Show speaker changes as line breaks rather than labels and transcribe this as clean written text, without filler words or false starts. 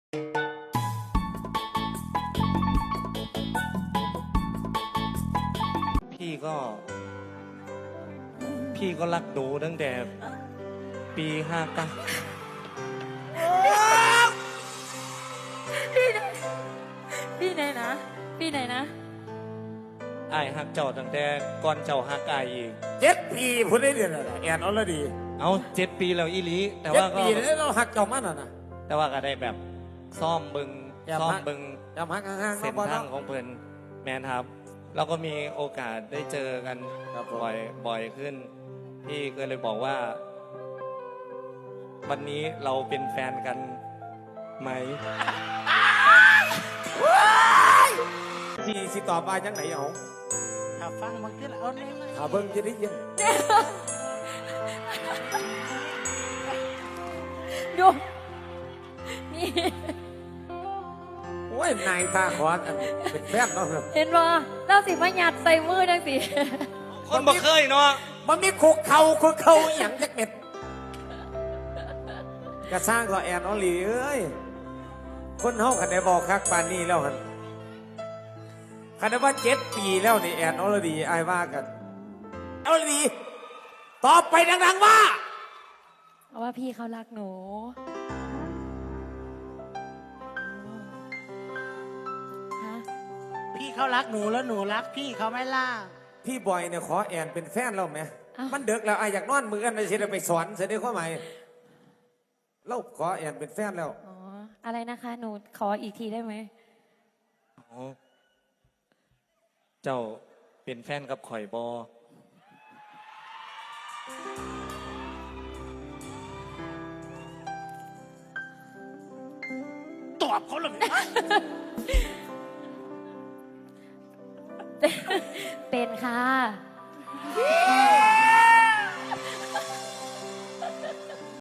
พี่ก็รักหนูตั้งแต่ปี59
พี่ไหนนะพี่ไหนนะ
ไอ้ฮักเจ้าตั้งแต่ก่อนเจ้าฮักไอ้อีก
7 ปีพูดได้เดือนอะไรแอนออลดี
เอา7 ปีแล้วอีหลีแต่
เจ็
ว่า
ด
ก็
ปีแล้วเราหักเจ้ามันนะ
แต่ว่าก็ได้แบบซ่อมบึง
อย่า
ซ่อม
พัก
บึง
จำหักห่างๆ
เส้น
เนาะ
ทางของเพิ่นแมนครับเราก็มีโอกาสได้เจอกัน
ครับผม
บ่อยขึ้นพี่ก็เลยบอกว่า วันนี้เราเป็นแฟนกันไหม
ที่สิตอบมาจังไหนเอา
ถ้าฟังมันขึ้นเอาเนี่ย
หาเบิ้งจะได้ยิน
ดูนี่
โอ้ยนายตาขวานอันเป็นแฟนเนาะ
เห็นบ่เราสิมาหยัดใส่มือจังสิ
คนบ่เคยเนาะ
มันมีคุกเข่าอหย่างจักเม็ดกระสร้างก็แอนออลลีเอ้ยคนเฮาคันได้บอกคักปานนี้แล้วหันคันได้ว่า7 ปีแล้วนี่แอนออลดีไอ้ายว่ากันออลดีตอบไปดังๆว่า
เพราะว่าพี่เขารักหนูฮะ
พี่เขารักหนูแล้วหนูรักพี่เขาไม่ล่า
พี่บอยเนี่ยขอแอนเป็นแฟนเราไหมมันเดึกแล้วไอ้ายอยากนอนมือกันเลยสิได้ไปสอนเสด็จข้อใหม่เราขอแอนเป็นแฟนแล้ว
อ๋ออะไรนะคะหนูขออีกทีได้ไหม
อ๋อเจ้าเป็นแฟนกับข่อยบอ
ตอบเขาเลย
เป็นค่ะ